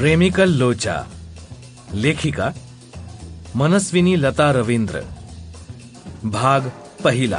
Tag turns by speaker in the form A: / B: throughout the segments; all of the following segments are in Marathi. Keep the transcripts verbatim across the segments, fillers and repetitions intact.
A: प्रेमिकल लोचा, लेखिका मनस्विनी लता रवींद्र. भाग पहिला.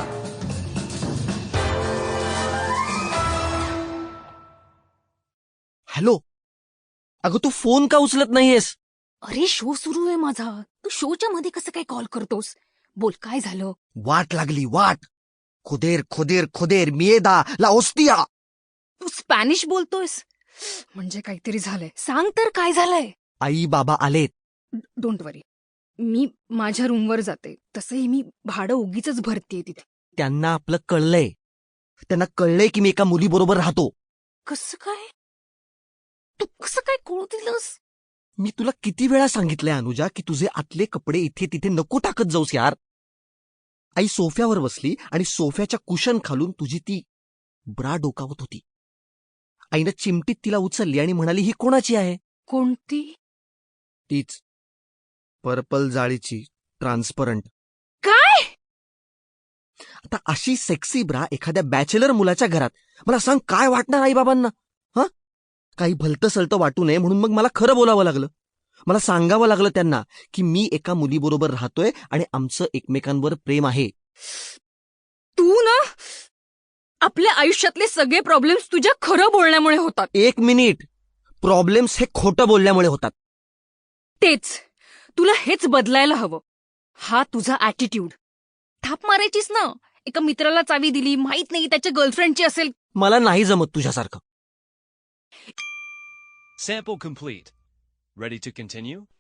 B: हॅलो, अगं तू फोन का उचलत नाहीयेस?
C: अरे शो सुरू आहे माझा. तू शोच्या मध्ये कसं काय कॉल करतोस? बोल, काय झालं?
B: वाट लागली वाट. खुदेर खुदेर खुदेर मिएदा ला ओस्तिया.
C: तू स्पॅनिश बोलतोयस म्हणजे काहीतरी झालंय. सांग तर काय झालंय?
B: आई बाबा आलेत.
C: डोंट वरी, मी माझ्या रूमवर जाते. तसंही मी भाडं उगीच भरतीये तिथे.
B: त्यांना आपलं कळलंय. त्यांना कळलंय की मी एका मुलीबरोबर राहतो.
C: कसं काय? तू कसं काय कळू दिलंस?
B: मी तुला किती वेळा सांगितलंय अनुजा की तुझे आतले कपडे इथे तिथे नको टाकत जाऊस यार. आई सोफ्यावर बसली आणि सोफ्याच्या कुशन खालून तुझी ती ब्रा डोकावत होती. आईनं चिमटीत तिला उचलली आणि म्हणाली, ही कोणाची आहे?
C: कोणती?
B: तीच पर्पल जाळीची ट्रान्सपरंट.
C: काय?
B: आता अशी सेक्सी ब्रा एखाद्या बॅचलर मुलाच्या घरात, मला सांग काय वाटणार आई बाबांना? हा, काही भलतं सलतं वाटू नये म्हणून मग मला खरं बोलावं लागलं. मला सांगावं लागलं त्यांना की मी एका मुलीबरोबर राहतोय आणि आमचं एकमेकांवर प्रेम आहे.
C: तू ना, आपल्या आयुष्यातले सगळे प्रॉब्लेम्स तुझ्या खरं बोलण्यामुळे होतात.
B: एक मिनिट, प्रॉब्लेम्स हे खोटं बोलल्यामुळे होतात.
C: तेच, तुला हेच बदलायला हवं. हा तुझा ऍटिट्यूड. थाप मारायचीस ना. एका मित्राला चावी दिली, माहित नाही त्याच्या गर्लफ्रेंडची असेल.
B: मला नाही जमत तुझ्यासारखं.
D: Sample complete. Ready to continue?